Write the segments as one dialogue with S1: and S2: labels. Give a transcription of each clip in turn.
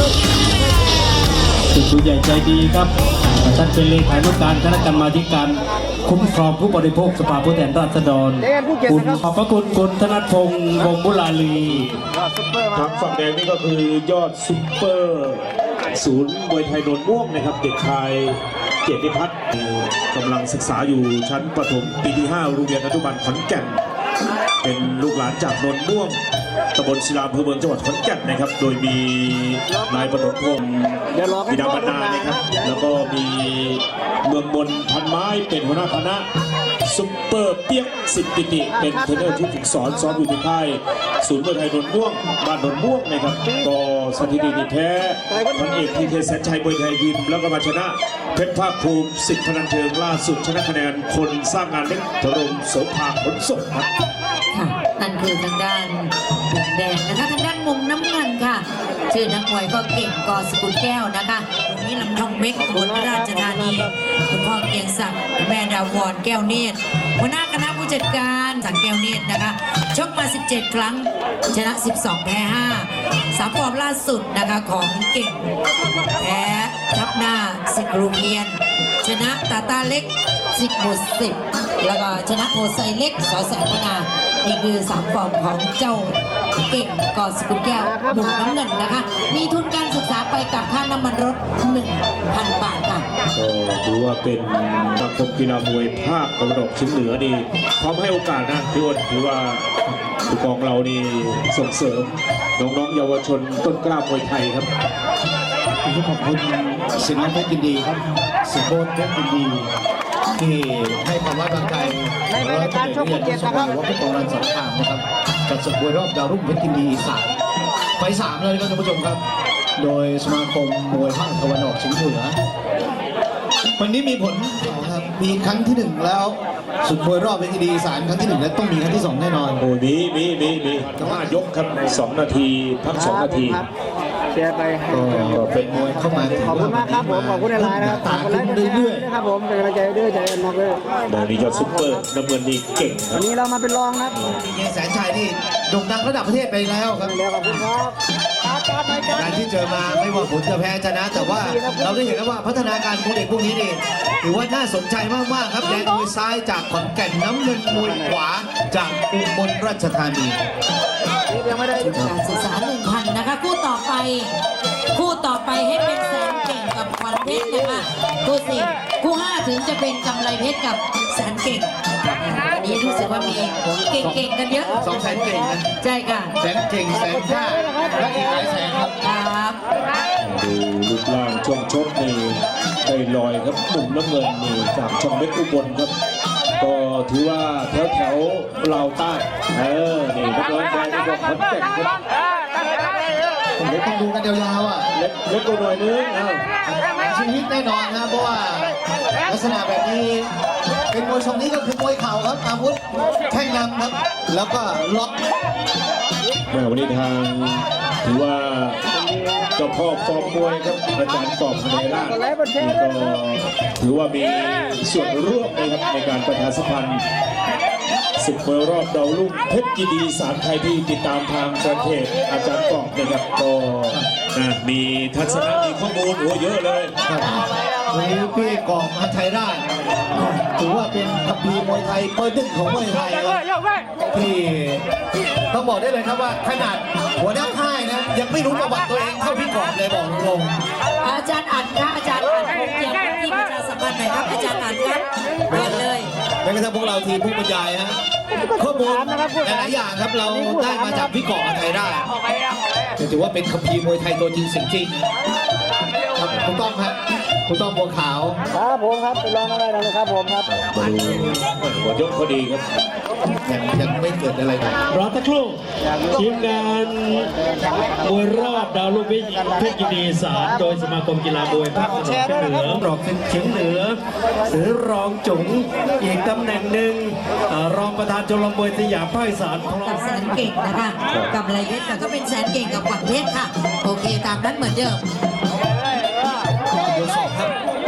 S1: ผู้ใหญ่ใจดีครับท่านเป็นเลขานุการคณะกรรมาธิการคุ้มครองผู้บริโภคสภาผู้แทนราษฎรคุณขอบพระคุณคุณธนพงษ์วงศ์บุราลี
S2: ทางฝั่งแดงนี่ก็คือยอดซุปเปอร์ศูนย์มวยไทยโนนม่วงนะครับเด็กชายเกียรติพัฒน์กำลังศึกษาอยู่ชั้นประถมปีที่ 5 โรงเรียนอนุบาลขอนแก่นเป็นลูกหลานจากโนนม่วงตำบลศิลาอำเภอเมืองจังหวัดขอนแก่นนะครับโดยมีนายปฐมพงศ์บิดามารดานะครับแล้วก็มีเมืองมนพันไม้เป็นหัวหน้าคณะซุปเปอร์เปียกสิทธิปิติเป็นเทรนเนอร์ที่ฝึกสอนอยู่ที่ค่ายศูนย์มวยไทยโนนม่วงบ้านโนนม่วงนะครับก็สถิติแพ้พันเอกทีเคแสนชัยมวยไทยยิมแล้วก็มาชนะเพชรภาคภูมิสิทธิ์พนันเชิงล่าสุดชนะคะแนนคนสร้างงานเล็กถล่มโสภาขนส่งครับ
S3: ค่ะนั่นคือทางด้านมุมแดงนะคะทางด้านมุมน้ำเงินค่ะชื่อนักมวยก็เก่งกอสกุลแก้วนะคะตรงนี้ลำทองเม็กบนราชธานีคุณพ่อเกียงศักดิ์แม่ดาวรแก้วเนตรหัวหน้าคณะผู้จัดการสังแก้วเนตรนะคะชกมา17 ครั้งชนะ12แพ้5 3 ฟอร์มล่าสุดนะคะของเก่งแพ้ทับหน้าสิกรูเพียนชนะตาตาเล็ก10 หมด 10แล้วก็ชนะโพไซเล็กสอแสนพนานี่คือ3 ฟอร์มของเจ้าเก่งกอสกุลแก้วมุมน้ำเงินนะคะมีทุนการศึกษาไปกับค่าน้ำมันรถ 1,000 บาทค่ะ
S2: ก็ถือว่าเป็นสมาคมกีฬามวยภาคตะวันออกเฉียงเหนือนี่พร้อมให้โอกาสนะพี่อ้นถือว่าผู้กองเรานี่ส่งเสริมน้องๆเยาวชนต้นกล้ามวยไทยครับ
S1: ขอบคุณสิงห์เพชรยินดีครับสุโขทัยเพชรยินดีที่ให้ความไว้วางใจร้อยตำรวจเอกนะครับว่าผู้กองรันสงครามนะครับจัดศึกมวยรอบดาวรุ่งเพชรยินดี3 ไฟ 3เลยครับท่านผู้ชมครับโดยสมาคมมวยภาคตะวันออกเฉียงเหนือวันนี้มีผลครับมีครั้งที่ 1แล้วสุดมวยรอบเพชรยินดี3ครั้งที่1และต้องมีครั้งที่2แน่นอน
S2: โอ้มี5 ยกครับ2 นาทีพัก2 นาที
S4: แชร์ไป
S1: ก็เป็นมวยเข้ามา
S4: ขอบคุณมากครับผมขอบคุณในไลน์นะครับ
S1: ต่างกันเรื่อย
S4: ๆนะครับผมเป็นกำลังใจด้วยใจมากเลย
S2: ดาวนี้ยอดซุปเปอร์น้ำเงินนี่เก่ง
S4: วันนี้เรามาเป็นรองครับ
S1: เกแสนชัยนี่โด่งดังระดับประเทศไปแล้วครับ
S4: ขอบคุณครับ
S1: การที่เจอมาไม่ว่าผลจะแพ้ชนะแต่ว่าเราได้เห็นแล้วว่าพัฒนาการของเด็กพวกนี้นี่ถือว่าน่าสนใจมากๆครับแดงมวยซ้ายจากขอนแก่นน้ำเงินมวยขวาจากอุบลราชธานี
S3: การศึกษา 1,000 นะคะคู่ต่อไปให้เป็นแสนเก่งกับขวัญเพชรนะคะคู่4คู่5ถึงจะเป็นกำไรเพชรกับแสนเก่งอันนี้รู้สึกว่ามีเก่งๆกันเยอะ
S1: 2 แสนเก่งนะ
S3: ใช่ค่ะ
S1: แสนเก่งแสนห้าและอีกหลายแสน
S3: ครับ
S2: ดูรูปร่างช่วงชกนี่ได้ลอยครับมุมน้ำเงินนี่จากช่องเล็กอุบลครับก็ถือว่าแถวเราใต้นี่นักร้องแดงนี่ก็ขอนแก่นครับ
S1: เดี๋ยวต้องดูกันยาวๆอ่ะ
S2: เล็กตัวหน่อยนึง
S1: ชีวิตแน่นอนนะเพราะว่าลักษณะแบบนี้เป็นมวยทรงนี้ก็คือมวยเข่าครับอาวุธแข้งนำครับแล้วก็ล็อก
S2: วันนี้ทางถือว่าเจ้าพ่อฟอร์มมวยครับอาจารย์กอบพเนราชนี่ก็ถือว่ามีส่วนร่วมนะครับในการประชาสัมพันธ์ศึกมวยรอบดาวรุ่งเพชรยินดี3 ไทยที่ติดตามทางประเทศอาจารย์กอบนะครับก็มีทัศนะมีข้อมูลเยอะเลย
S1: วันนี้พี่กอบมาไทยราชถือว่าเป็นคัมภีร์มวยไทยเปิดดึงของมวยไทยที่ต้องบอกได้เลยครับว่าขนาดหัวหน้าค่ายนะยังไม่รู้ประวัติตัวเองเท่าพี่กอบเลยบอกตรง
S3: อาจารย์อัดค่ะอาจารย์อัดเกี่ยวกับที่ประชาสัมพันธ์หน่อยครับอาจารย์อัดครับเปิดเลย
S1: แม้กระทั่งพวกเราทีมผู้บรรยายฮะข้อมูลหลายอย่างครับเราได้มาจากพี่กอบมาไทยราชถือว่าเป็นคัมภีร์มวยไทยตัวจริงสิ่งจริงถูกต้องครับถูกต้องบัวขาว
S4: ครับผมครับเป็นรองอะไรนะครับผมครับ
S2: มาดูหัวยกพอดีครับ
S1: ยังไม่เกิดอะไร
S5: รอสักครู่ทีมงานมวยรอบดาวรุ่งเพชรยินดี3โดยสมาคมกีฬามวยภาคตะวันออกเฉียงเหนือรองเฉียงเหนือหรือรองจุ๋งอีกตำแหน่งหนึ่งรองประธานชมรมมวยสยามภาคอีสาน
S3: กับแสนเก่งนะคะกับไรเพชรก็เป็นแสนเก่งกับขวัญเพชรค่ะโอเคตามนั้นเหมือนเดิม
S1: ดูสอบครับ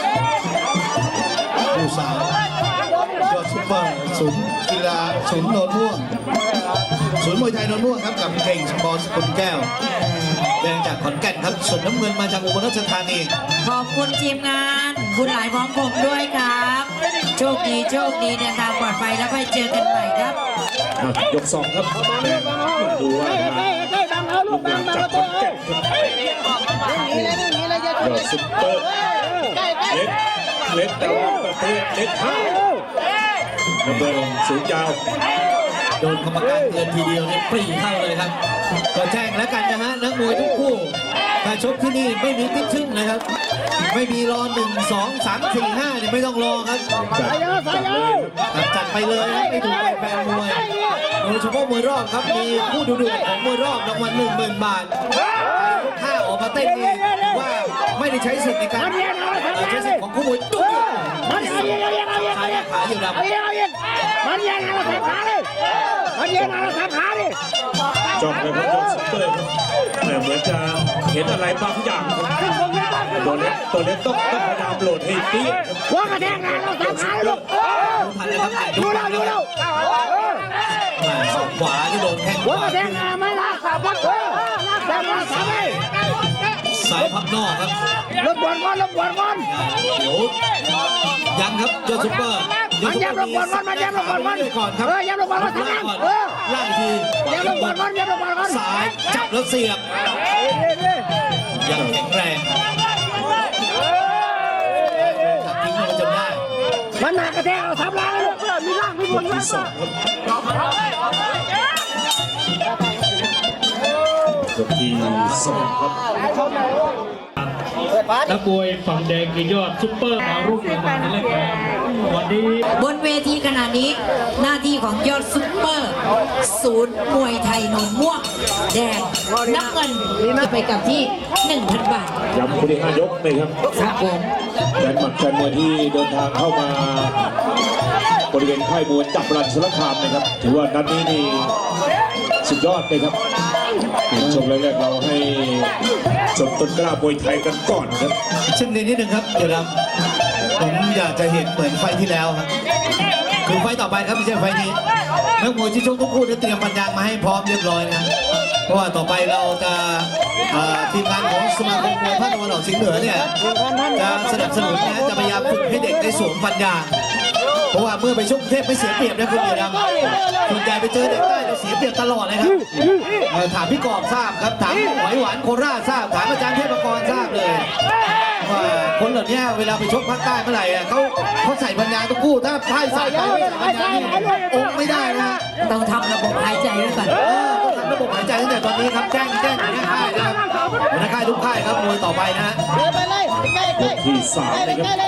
S1: ดูสาวยอดซุปเปอร์ศูนย์กีฬาศูนย์โนนม่วงศูนย์มวยไทยโนนม่วงครับกับเก่งสปอร์ตสกุลแก้วแดงจากขอนแก่นครับส่วนน้ำเงินมาจากอุบลราชธานี
S3: ขอบคุณทีมงานบุญหลายพร้อมผมด้วยครับ โชคดีเดินทางปลอดภัยแล้วไปเจอกันใหม่ครับ
S2: ยก 2 ครับแดงดูว่าลูกหลานจากขอนแก่นครับยอดซุปเปอร์เล็กแต่ว่าประเภทเล็กห้าน้ำเงินสูงยาว
S1: โดนกรรมการเตือนทีเดียวเนี่ยปรีเข้าเลยครับก็แจ้งแล้วกันนะฮะนักมวยทุกคู่ถ้าชกที่นี่ไม่มีติ๊กชึ่งนะครับไม่มีรอ1 2 3 4 5เนี่ยไม่ต้องรอครับจัดไปเลยครับไม่ถูกแฟนมวยโดยเฉพาะมวยรอบครับมีผู้ดูเดือดของมวยรอบรางวัล10,000 บาทถ้าออกมาเต้นนี่ว่าไม่ได้ใช้สิทธิ์ในการใช้สิทธิ์ของคู่มวยตุ้มใช้ขาอยู่ดำ
S4: มันยังไงเราทำขาเลยมันยังไงเราทำขาดิ
S2: จอมเลยครับยอดซุปเปอร์แต่เหมือนจะเห็นอะไรบางอย่างตัวเล็กต้องพยายามโหลดให้เตี้ย
S4: หัวกระแทกงานเราทำขาลูก
S1: ทันเลยครับ
S4: ดูเรา
S1: ศอกขวาที่โดนแข้งข
S4: หัว
S1: วาก
S4: ระแทกงานไม่รักขาพักแต่มาทำไม
S1: สายพับนอกครับ
S4: ลบบอลก่อน
S1: เดี๋ยวยังครับยอดซุปเปอร์
S4: มันยับลบบอลก่อนมันยับลบบอลก่อน
S1: ก่อนครับ
S4: ยับลบบอลก่อนทำงาน
S1: ล่างที
S4: ยับลบบอลก่อนยับลบบอลก่อน
S1: สายจับแล้วเสียบยังแข็งแรงจับทิ้งลงจนได้
S4: มันหนักกระแทกเราทำร้ายลูกมีร่างมีบน
S2: ที่ 2 ครับยกที่ 2 ครับ
S5: นักมวยฝั่งแดงคือยอดซุปเปอร์ดาวรุ่งในวันนี้ครับวันนี้
S3: บนเวทีขณะนี้หน้าที่ของยอดซุปเปอร์ ศูนย์มวยไทยหนองม่วงแดงน้ำเงินจะไปกับที่ 1,000 บาท
S2: ย้ำคู่ที่ 5 ยกเลยครับ
S3: ครับผม
S2: แฟนหมัดแฟนมวยที่เดินทางเข้ามาบริเวณค่ายมวยจับรันสารคามนะครับถือว่านัดนี้นี่สุดยอดเลยครับชมแรกๆเราให้ชมต้นกล้ามวยไทยกันก่อนครับ
S1: เช่นนี้นิดนึงครับเดี๋ยวผมอยากจะเห็นเหมือนไฟที่แล้วครับคือไฟต่อไปครับไม่ใช่ไฟนี้นักมวยที่ชกทุกคู่ได้เตรียมปัญญามาให้พร้อมเรียบร้อยนะเพราะว่าต่อไปเราจะทีมงานของสมาคมมวยภาคตะวันออกเฉียงเหนือเนี่ยจะสนับสนุนนะจะพยายามฝึกให้เด็กได้สวมปัญญาเพราะว่าเมื่อไปชกกรุงเทพไม่เสียเปรียบนะคุณเดียดำส่วนใหญ่ไปเจอเด็กใต้เราเสียเปรียบตลอดเลยครับถามพี่กอบทราบครับถามหอยหวานโคราชทราบถามอาจารย์เทพกรทราบเลยว่าคนเหล่านี้เวลาไปชกภาคใต้เมื่อไหร่เขาใส่ปัญญาทุกคู่ถ้าพ่ายใส่ไปไม่ใส่ปัญญาองค์ไม่ได้นะ
S3: ต้องทำระบบหายใจไว้ก่อน
S1: ต้องทำระบบหายใจตั้งแต่ตอนนี้ครับแจ้งหัวหน้าค่ายนะครับหัวหน้าค่ายทุกค่ายครับมวยต่อไปนะ
S2: ยกที่ 3 เลยครับ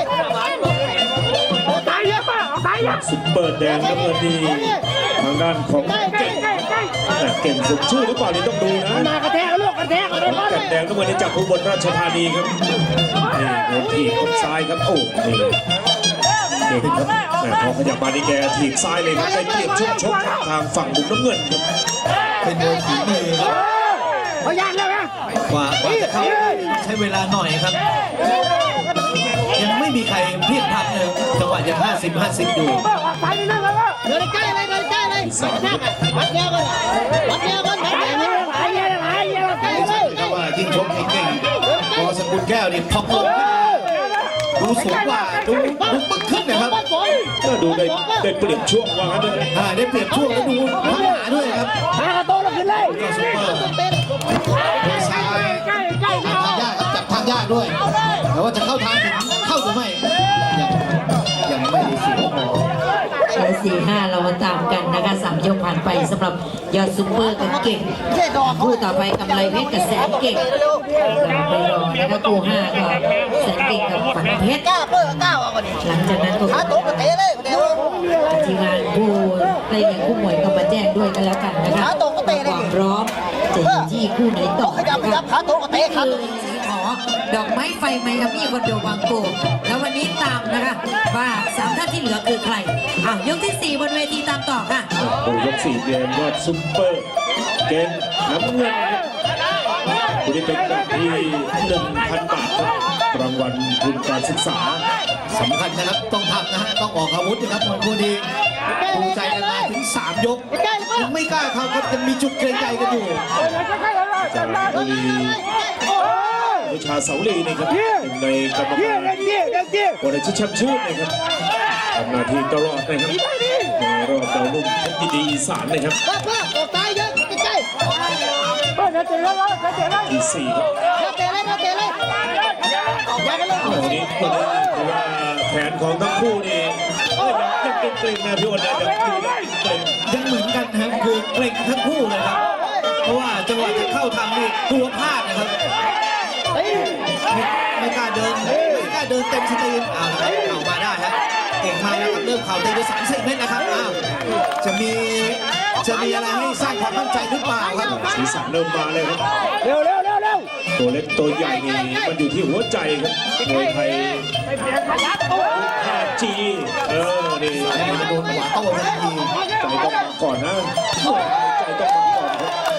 S2: ซุปเปอร์แดงน้ำเงินนี่ทางด้านของเก่งสมชื่อหรือเปล่านี่ต้องดูนะ
S4: หนักกระแทกลูกกระแทกอะไรบ้าง
S2: แก่นแดงน้ำเงินนี่จากอุบลราชธานีครับนี่โดนถีบคนซ้ายครับโอ้นี่เด็กครับพอขยับมานี่แกถีบซ้ายเลยครับได้เปรียบชกทางฝั่งมุมน้ำเงินครับ
S1: เป็นมวยฝีมือครับ
S4: พยานแล้วนะ
S1: กว่าจะเข้าใช้เวลาหน่อยครับ ยังไม่มีใครเพี้ยนทับเลยจังหวะยัง50-50อยู่
S4: ไปนี่นั่งแล้วเดินใกล้เลยวัดเดียวกันวัดเดียวกันไหน
S1: ก็ว่ายิ่งชกเก่งพอสกุลแก้วนี่พองลงดูสูงกว่าดูปึ๊กขึ้นนะครับ
S2: ก็ดูได้เปรียบช่วงว่างั้นเลย
S1: ได้เปรียบช่วงแล้วดูพัฒนาด้วยครับ
S4: หากระโตแล้วขึ้นเลย
S1: ยอดซุปเปอร์มือซ้ายทางยากครับจับทางยากด้วย แต่ว่าจะเข้าทางถึงเข้าหรือไม่ยังไม่ได้สิพอ
S3: 4-5 เรามาตามกันนะคะ3 ยกผ่านไปสำหรับยอดซุปเปอร์กับเก่งคู่ต่อไปกำไรเพชรกับแสนเก่งไปรอนะคะคู่5ก็แสนเก่งกับฝันเพชรหลังจากนั้นก็ทีมงานผู้ไล่เลี้ยงผู้มวยก็มาแจ้งด้วยกันแล้วกันนะคะความพร้อมจะอยู่ที่คู่ไหนต่อนะคะคือสีขอดอกไม้ไฟไมอามี่คอนโดบางโกแล้ววันนี้ตามนะคะว่า3 ท่านที่เหลือคือใครยกที่ 4 บนเวทีตามต่อค่ะ
S2: โอ้ยก 4 เกมยอดซุปเปอร์เกมน้ำเงินคุณนี่เป็นกับที่ 1,000 บาทครับรางวัลทุนการศึกษา
S1: สำคัญนะครับต้องทำนะฮะต้องออกอาวุธนะครับมวยคู่นี้ภูมิใจกันมาถึง3 ยกยังไม่กล้าเข้าครับยังมีจุดเกรงใจกันอยู่
S2: จากบุรีวิชาเสาลีนะครับหนึ่งในกรรมการวันอาทิตย์แชมป์ชื่นนะครับทำหน้าที่ตลอดนะครับในรอบดาวรุ่งเพชรยินดีอีสานนะครับ
S4: พ่อออกซ้ายเยอะใกล้
S2: ที่4ครับ
S4: ๆเตะเลยเตะเลยอย่ากันเลย
S2: วันนี้ถือว่าแผนของทั้งคู่นี่ยังเกรงๆนะพี่อ้นนะยังดูแล้วเกรง
S1: ยังเหมือนกันนะครับคือเกรงทั้งคู่เลยครับเพราะว่าจังหวะจะเข้าทำนี่กลัวพลาดนะครับไม่กล้าเดินเต็มสตรีมเอามาได้ฮะเก่งมากนะครับเริ่มเข่าตีไป30 เมตรนะครับอ้าวจะมีอะไรให้สร้างความมั่นใจหรือเปล่าครับ
S2: สีสันเริ่มมาเลยครับ
S4: เร็ว
S2: ตัวเล็กตัวใหญ่นี่มันอยู่ที่หัวใจครับมวยไทย5G นี่
S1: สายมาโดนขวาโต้ทันที
S2: ใจต้องมาก่อนนะใจต้องมาก่อน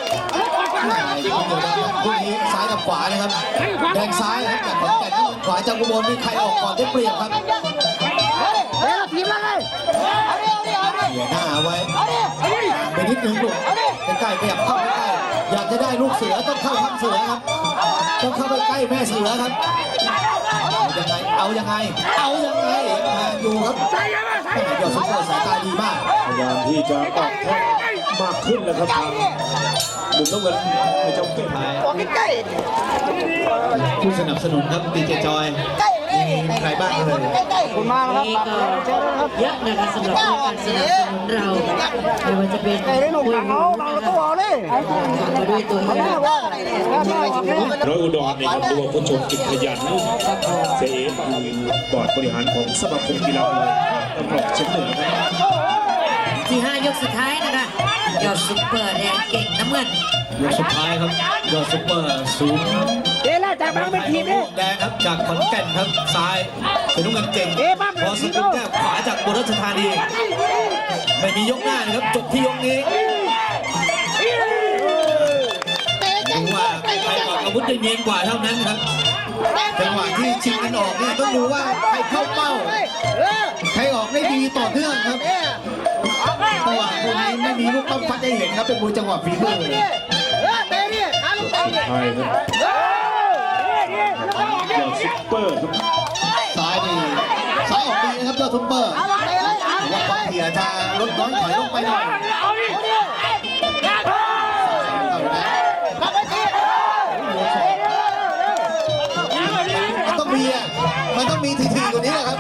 S2: ครับ
S1: พวกนี้ซ้ายกับขวานะครับแดงซ้ายครับจากขอนแก่นขวาจากอุบลนี่ใครออกก่อนได้เปรียบครับ
S4: เร็วทีมละเลยเอาดิ
S1: เหยียดหน้าไว้ไปนิดนึงลูกใกล้ๆขยับเข้าใกล้อยากจะได้ลูกเสือต้องเข้าทางเสือครับต้องเข้าไปใกล้แม่เสือครับเอายังไงดูครับยอดซุปเปอร์สายตาดีมาก
S2: พยายามที่จะออกแข้งมากขึ้นแล้วครับทางมุมน้ำเงินไม่จำเป็น
S4: ใกล้
S1: ผู้สนับสนุนครับดีเจจอยมีใครบ้างเลย
S4: คุณมาแล้ว
S3: นี่
S4: ครับ
S3: ก็เยอะนะคะสำหรับการสนับสนุนเราไม่ว่าจะเป็น
S4: ได้หนุ่มหลังเอาหลังตัวเลย
S3: มาด้วยตัวเอง
S2: ร้อยอุดรนี่ครับดูว่าผู้ชมกิจขยันเสียเอคือบอร์ดบริหารของสมาคมกีฬามวยตำรวจเชียงเหนือครับ
S3: ที่ 5 ยกสุดท้ายนะคะยอดซุปเปอร์แดงเก่งน้ำเงิน
S1: ยกสุดท้ายครับยอดซุปเปอร์ศูนย์
S4: เดี๋ยวแล้วจากบางไปทีนี่
S1: แดงครับจากขอนแก่นครับซ้ายเป็นน้ำเงินเก่งพอสกุลแก้วขวาจากบุรีรัมย์ธานีไม่มียกหน้านะครับจบที่ยกนี้ดูว่าใครออกอาวุธได้เนียนกว่าเท่านั้นครับจังหวะที่ชิงกันออกเนี่ยต้องดูว่าใครเข้าเป้าใครออกได้ดีต่อเนื่องครับจังหวะคนนี้ไม่มีลูกปั้มฟัดได้เห็นครับเป็นมวยจังหวะฝีมือ
S4: เตะดิขาลูกเตะ
S2: ไทยครับยอดซุปเปอร์ครับ
S1: ซ้ายนี่ซ้ายออกดีนะครับยอดซุปเปอร์ว่าความเถี่ยจะลดน้อยถอยลงไปหน่อยมันต้องมีทีๆกว่านี้แหละครับ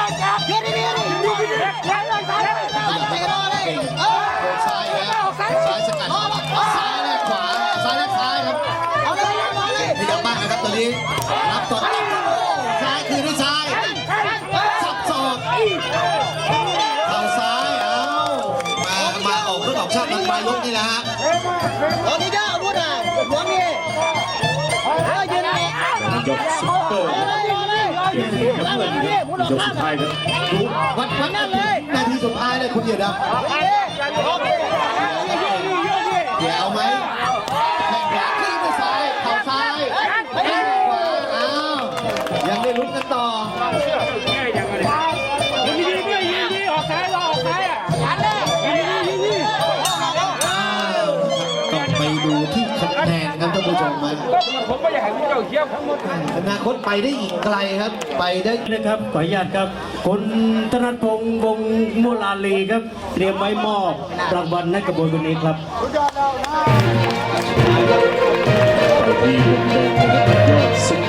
S1: ซ้ายแล้วซ้ายสกัดซ้ายแลกขวาซ้ายแลกซ้ายครับพยายามมากนะครับตอนนี้รับต่อซ้ายคืนด้วยซ้ายสับศอกเข่าซ้ายมาออกเรื่องออกชาติปลายยกนี่แหละฮะ
S4: โอ้นี่เด้อพูดอ่ะหัวนี่ยืนเลย
S2: ยอดซุปเปอร์เก่งน้ำเงินครับยอดสุดท้ายครับ
S1: ดูวัดนั่นเลยนาทีสุดท้ายเลยคุณเหยียดครับเดี๋ยวเอาไหมแข่งขวาขึ้นไปซ้ายเข่าซ้ายแข่งขวาอ้าวยังได้ลุ้นกันต่อต้องไปดูที่คะแนนครับท่านผู้ชมมาอนาคตไปได้อีกไกลครับ ไปได้
S5: นะครับขออนุญาตครับคุณธนพงษ์วงศ์มุลาลีครับเตรียมไว้มอบรางวัลให้กับคนนี้ครับ
S2: ไปที่มุมแดงนะครับยอดซุป